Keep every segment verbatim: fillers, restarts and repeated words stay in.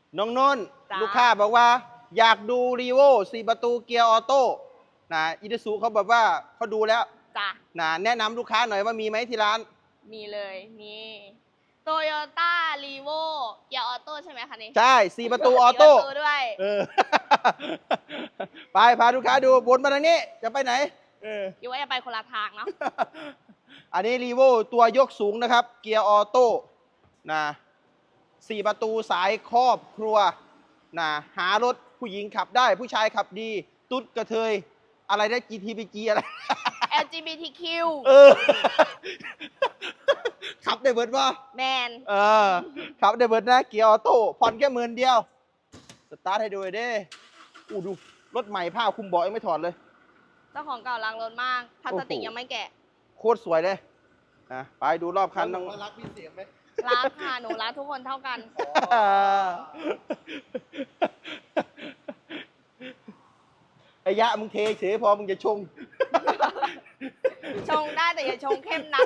น้องนนท์ลูกค้าบอกว่าอยากดูรีโวสี่ประตูเกียร์ออโต้นะอิตาซูเขาบอกว่าเขาดูแล้วจ้ะนะแนะนำลูกค้าหน่อยว่ามีไหมที่ร้านมีเลยมีโตโยต้ารีโวเกียร์ออโต้ใช่ไหมคะนี่ใช่สี่ประตูออโต้ด้วยเออ ไปพาลูกค้าดูวนมาทางนี้จะไปไหนเอออยู่ว่าจะไปคนละทางเนาะอันนี้รีโวตัวยกสูงนะครับ เกียร์ออโต้นะสี่ประตูสายครอบครัวนะหารถผู้หญิงขับได้ผู้ชายขับดี ตุ๊ดกระเทยอะไรได้ จี ที พี จี อะไรแอล จี บี ที คิวเออ ขับได้เบิร์ดว่าแมนเออขับได้เบิร์ดนะเกียร์ออโต้ผ่อนแค่หมื่นเดียวสตาร์ทให้ดูเลยเด้อู้ดูรถใหม่ผ้าคลุมเบาะยังไม่ถอดเลยเจ้าของเก่าล้างรถมากพลาสติกยังไม่แกะโคตรสวยเลยนะไปดูรอบคันน้องรักพี่เสียงไหมรักค่ะหนูรักทุกคนเท่ากันไอ้ยะมึงเทเฉยพอมึงจะชงชงได้แต่อย่าชงเข้มนัก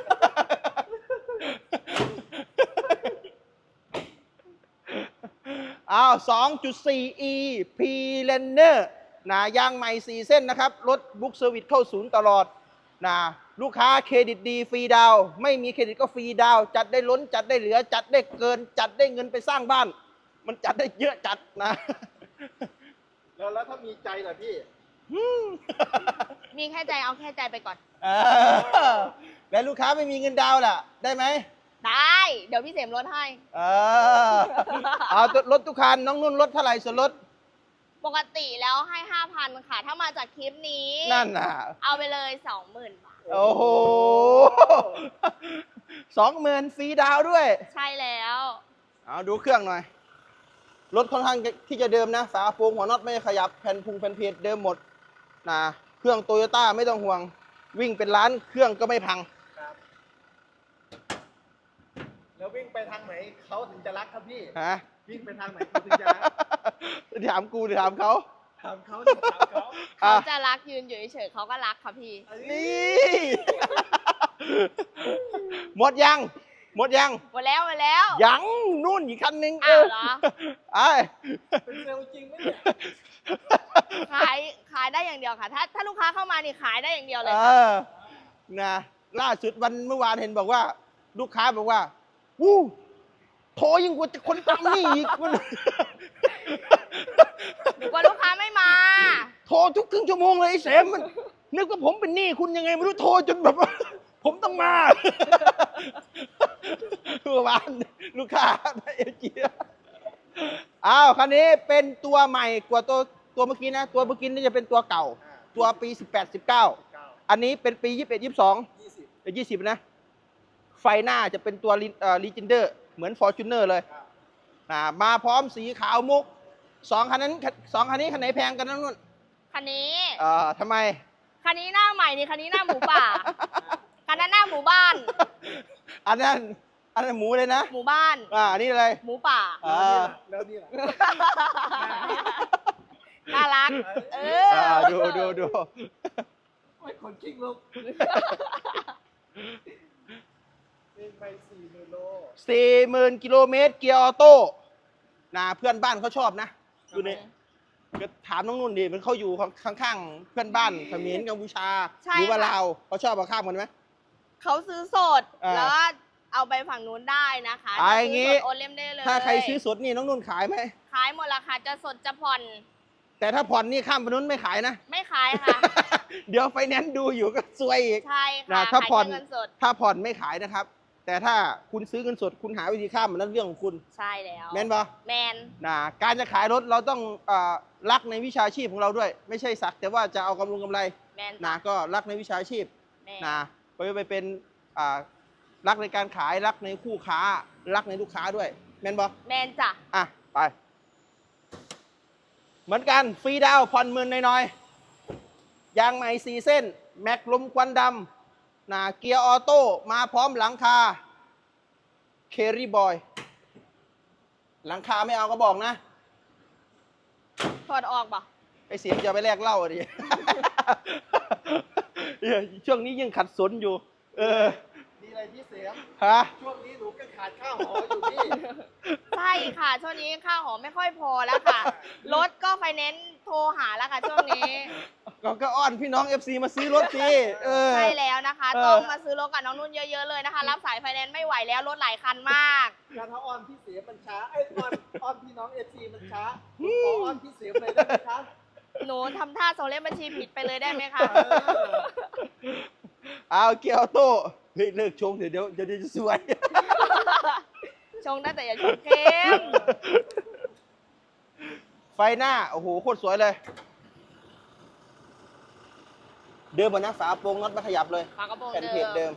อ้าว สองจุดสี่ อี P-Liner นะยางใหม่สี่เส้นนะครับ รถบุ๊กเซอร์วิสเข้าศูนย์ตลอดนะลูกค้าเครดิตดีฟรีดาวไม่มีเครดิตก็ฟรีดาวจัดได้ล้นจัดได้เหลือ จัดได้เกิน จัดได้เงินไปสร้างบ้าน มันจัดได้เยอะจัดนะแล้วแล้วถ้ามีใจล่ะพี่มีแค่ใจเอาแค่ใจไปก่อนเออแล้วลูกค้าไม่มีเงินดาวล่ะ ได้ไหมได้เดี๋ยวพี่เสมลดให้เออเอารถทุกคันน้องนุ่นลดเท่าไหร่ส่วนลดปกติแล้วให้ห้าพันค่ะถ้ามาจากคลิปนี้นั่นน่ะเอาไปเลยสองหมื่นบาทโอ้โหสองหมื่นฟรีดาวด้วยใช่แล้วเอาดูเครื่องหน่อยรถค่อนข้างที่จะเดิมนะฝาโปร่งหัวน็อตไม่ขยับแผ่นพุงแผ่นเพจเดิมหมดนะเครื่องโตโยต้าไม่ต้องห่วงวิ่งเป็นล้านเครื่องก็ไม่พังครับแล้ววิ่งไปทางไหนเขาถึงจะรักครับพี่ฮะวิ่งไปทางไหนเขาถึงจะรักถามกูหรือถามเขาถามเขาถามเขาเขาจะรักยืนอยู่เฉยๆเขาก็รักค่ะพี่นี่หมดยังหมดยังหมดแล้วหมดแล้วยังนู่นอีกคันนึงอ้าวเหรอไอ้เป็นเซลจริงไหมเนี่ยขายขายได้อย่างเดียวค่ะถ้าถ้าลูกค้าเข้ามานี่ขายได้อย่างเดียวเลยเออนะล่าสุดวันเมื่อวานเห็นบอกว่า ลูกค้าบอกว่าวู้โทรยิ่งกว่าคนตามนี่อีกมันกว่าลูกค้าไม่มาโทรทุกครึ่งชั่วโมงเลยไอ้แสมมันนึกว่าผมเป็นหนี้คุณยังไงไม่รู้โทรจนแบบผมต้องมาเมื่อวานลูกค้าได้เอเจียอ้าวคันนี้เป็นตัวใหม่กว่าตัวตัวเมื่อกี้นะตัวเมื่อกี้นี่จะเป็นตัวเก่าตัวปีสิบแปด สิบเก้าอันนี้เป็นปียี่สิบเอ็ด ยี่สิบสองยี่สิบยี่สิบนะไฟหน้าจะเป็นตัวลีเจนเดอร์เหมือน Fortuner เลยมาพร้อมสีขาวมุกสองคันนั้นสองคันนี้คันไหนแพงกันนั่นนู่นคันนี้เอ่อทำไมคันนี้หน้าใหม่นี่คันนี้หน้าหมูป่าคันนั้นหน้าหมู่บ้านอันนั้นอันนั้นหมูเลยนะหมู่บ้านอ่าอันนี้อะไรหมูป่าแล้วนี่ล่ะน่ารักเออดูดูดูไม่คนคิงลูกวิ่งไปสี่หมื่นโลสี่หมื่นกิโลเมตรเกียร์ออโต้นะเพื่อนบ้านเขาชอบนะดูนี่ก็ถามน้องนุ่นดิมันเขาอยู่ข้างๆเพื่อนบ้านเขมรกัมพูชาหรือว่าลาวเขาชอบเอาข้ามกันไหมเขาซื้อสดแล้วเอาไปฝั่งนู้นได้นะคะไอ้งี้โอนเล่มได้เลยถ้าใครซื้อสดนี่น้องนุ่นขายไหมขายหมดราคาจะสดจะผ่อนแต่ถ้าผ่อนนี่ข้ามไปนู้นไม่ขายนะไม่ขายค่ะเดี๋ยวไฟแนนซ์ดูอยู่ก็ซวยอีกใช่ค่ะถ้าผ่อนถ้าผ่อนไม่ขายนะครับแต่ถ้าคุณซื้อเงินสดคุณหาวิธีข้ามมันนั่นเรื่องของคุณใช่แล้วแมนปะแมนนะการจะขายรถเราต้องรักในวิชาชีพของเราด้วยไม่ใช่สักแต่ว่าจะเอากำลังกำไรนะก็รักในวิชาชีพนะไปไปเป็นรักในการขายรักในคู่ค้ารักในลูกค้าด้วยแมนปะแมนจ้ะอ่ะไปเหมือนกันฟรีดาวผ่อนหมื่นน้อยๆยางใหม่สี่เส้นแม็กลมควันดำนะเกียร์ออโต้มาพร้อมหลังคาเครี่บอยหลังคาไม่เอาก็บอกนะถอดออกป่ะไอเสียงจะไปแลกเหล้าดิ ช่วงนี้ยังขัดสนอยู่เอออะไรพี่เสียมฮะช่วงนี้หนูก็ขาดข้าวหออยู่นี่ใช่ค่ะ ช่วงนี้ค่าหอไม่ค่อยพอแล้วค่ะ รถก็ไฟแนนซ์โทรหาแล้วค่ะช่วงนี้ก็ก็อ้อนพี่น้อง เอฟ ซี มาซื้อรถสิเออใช่แล้วนะคะเออต้องมาซื้อรถกับน้องนุ่นเยอะๆเลยนะคะ รับสายไฟแนนซ์ไม่ไหวแล้วรถหลายคันมากการถ้าออนพี่เสียมมันช้าไอ้ยออนออนพี่น้องเอฟซีมันช้าผมขอออนพี่เสียมเลยได้ไหมครับหนูทำท่าส่งเลขบัญชีผิดไปเลยได้ไหมคะเออเอาเกียร์ออโต้เฮ้ยเลิกชงเดี๋ยวเดี๋ยวเดี๋ยวจะสวยชงได้แต่อย่าชงเข้มไฟหน้า โอ้โห โคตรสวยเลย เดิมเหมือนนะฝาโปรงน็อตไม่ขยับเลยฝากระโปรงแผ่นเดิเพจเดิมม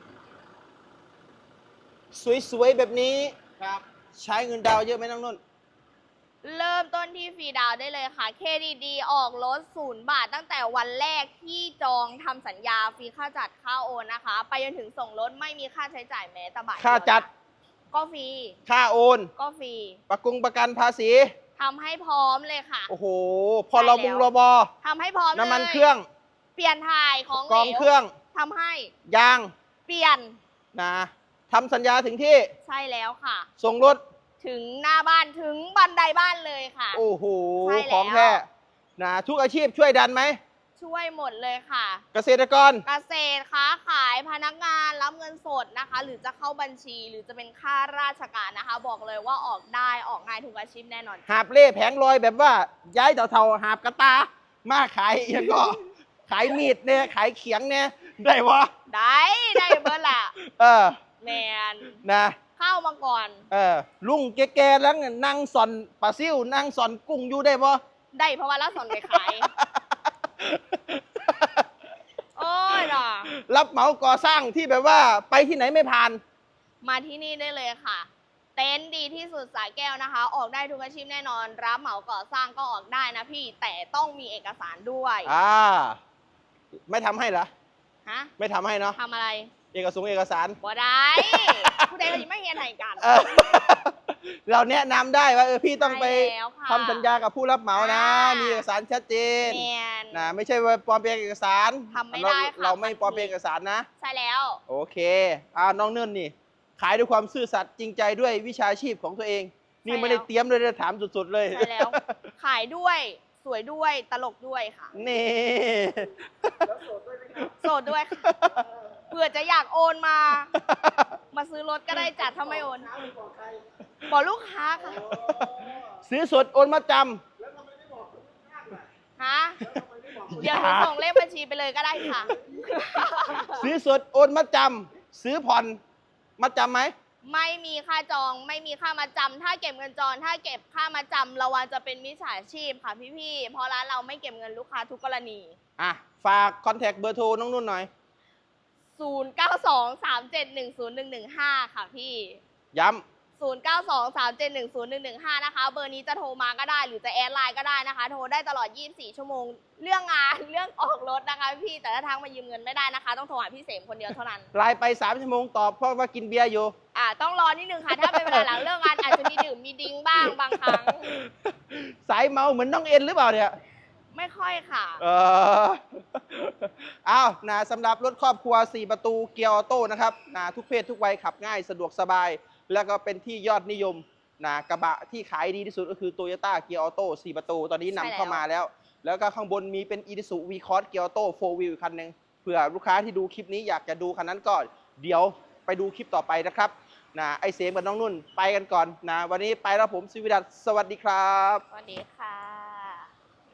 สวยๆ แบบนี้ครับใช้เงินดาวน์เยอะไหมน้องนุ่นเริ่มต้นที่ฟรีดาวน์ได้เลยค่ะ เค ดี ดี ออกรถศูนย์บาทตั้งแต่วันแรกที่จองทำสัญญาฟรีค่าจัดค่าโอนนะคะ ไปจนถึงส่งรถไม่มีค่าใช้จ่ายแม้แต่บาทเยวค่าจัดก็ฟรีค่าโอนก็ฟรีประกงประกันภาษีทำให้พร้อมเลยค่ะโอ้โห พอรบุงรบอทำให้พร้อมเลยน้ำมันเครื่องเปลี่ยนถ่ายของกองเครื่องทำให้ยางเปลี่ยนนะทำสัญญาถึงที่ใช่แล้วค่ะส่งรถถึงหน้าบ้านถึงบันไดบ้านเลยค่ะโอ้โหใช่แล้วของแท้นะทุกอาชีพช่วยดันไหมช่วยหมดเลยค่ะเกษตรกรเกษตรค้าขายพนักงานรับเงินสดนะคะ หรือจะเข้าบัญชีหรือจะเป็นข้าราชการนะคะ บอกเลยว่าออกได้ออกง่ายทุกอาชีพแน่นอนหาบเล่แผงลอยแบบว่า ย้ายเท่าๆหาบกระตา มาขายอีกก็ ขายมีดเนี่ยขายเขียงเนี่ยได้วะได้ได้เบิร์ดละเออแมนนะเข้ามาก่อนเออลุงแกๆแล้วเนี่ยนั่งสอนปลาซิวนั่งสอนกุ้งอยู่ได้ปะได้เพราะว่าละสอนไปขาย โอ้ยน่ะรับเหมาก่อสร้างที่แบบว่าไปที่ไหนไม่ผ่านมาที่นี่ได้เลยค่ะ เต็นท์ดีที่สุดสายแก้วนะคะ ออกได้ทุกอาชีพแน่นอน รับเหมาก่อสร้างก็ออกได้นะพี่ แต่ต้องมีเอกสารด้วยอ่า ไม่ทำให้เหรอฮะไม่ทำให้เนาะทำอะไรเอกสงค์เอกสารบ่ได้ ผู้ใดก็ยังไม่เฮียนให้กันเออ เราแนะนำได้ว่าเออพี่ต้องไปใช่แล้วค่ะทำสัญญากับผู้รับเหมานะอ่ามีมีเอกสารชัดเจนแมนนะไม่ใช่ว่าปลอมแปลงเอกสารทำไม่ได้ค่ะเราเราไม่ปลอมแปลงเอกสารนะใช่แล้วโอเคอ่าน้องเนิ่นนี่ ขายด้วยความซื่อสัตย์จริงใจด้วยวิชาชีพของตัวเอง นี่ใช่แล้วไม่ได้เตรียมเลยนะถามสุดๆเลยใช่แล้ว ขายด้วยสวยด้วยตลกด้วยค่ะนี่แล้วโสดด้วยไหมครับโสดด้วยค่ะเผื่อจะอยากโอนมา มาซื้อรถก็ได้จัดถ้าไม่โอนน้าไปบอกใครบอกลูกค้าค่ะโอ้ซื้อสดโอนมาจแล้วทำไมไม่บอกคนข้างๆล่ะฮะแล้วทำไมไม่บอกคนเดี๋ยวหนูส่งเลขบัญชีไปเลยก็ได้ค่ะำซื้อสดโอนมาจำซื้อผ่อนมาจำไหมไม่มีค่าจองไม่มีค่ามาจำถ้าเก็บเงินจองถ้าเก็บค่ามาจำระวังจะเป็นมิจฉาชีพค่ะพี่ๆเพราะร้านเราไม่เก็บเงินลูกค้าทุกกรณีอ่ะฝากคอนแทคเบอร์โทรน้องนุ่นหน่อยศูนย์ เก้า สอง สาม เจ็ด หนึ่ง ศูนย์ หนึ่ง หนึ่ง ห้า ค่ะพี่ย้ศูนย์ เก้า สอง สาม เจ็ด หนึ่ง ศูนย์ หนึ่ง หนึ่ง ห้า นะคะ เบอร์นี้จะโทรมาก็ได้ หรือจะแอดไลน์ก็ได้นะคะ โทรได้ตลอด ยี่สิบสี่ ชั่วโมง เรื่องงาน เรื่องออกรถนะคะพี่ แต่ถ้าทักมายืมเงินไม่ได้นะคะ ต้องโทรหาพี่เสมคนเดียวเท่านั้นำไลน์ไปสามชั่วโมงตอบเพราะว่ากินเบียร์อยู่อ่า ต้องรอนิดนึงค่ะ ถ้าเป็นเวลาหลังเลิกงานอาจจะมีดื่มมีดิ้งบ้างบางครั้งสายเมาเหมือนน้องเอ็นหรือเปล่าเนี่ยไม่ค่อยค่ะเออ อ้าวนะสำหรับรถครอบครัวสี่ประตูเกียร์ออโต้นะครับนะทุกเพศทุกวัยขับง่ายสะดวกสบาย แล้วก็เป็นที่ยอดนิยมนะกระบะที่ขายดีที่สุดก็คือ Toyota เกียร์ออโต้สี่ประตู ตอนนี้นำใช่แล้วเข้ามาแล้ว แล้วก็ข้างบนมีเป็น Isuzu V-Cross เกียร์ออโต้โฟร์ Wheel คันหนึ่งเผื่อลูกค้าที่ดูคลิปนี้อยากจะดูคันนั้นก่อน เดี๋ยวไปดูคลิปต่อไปนะครับนะไอเสมกับน้องนุ่นไปกันก่อนนะวันนี้ไปแล้วผมซิวิดัสสวัสดีครับสวัสดีค่ะ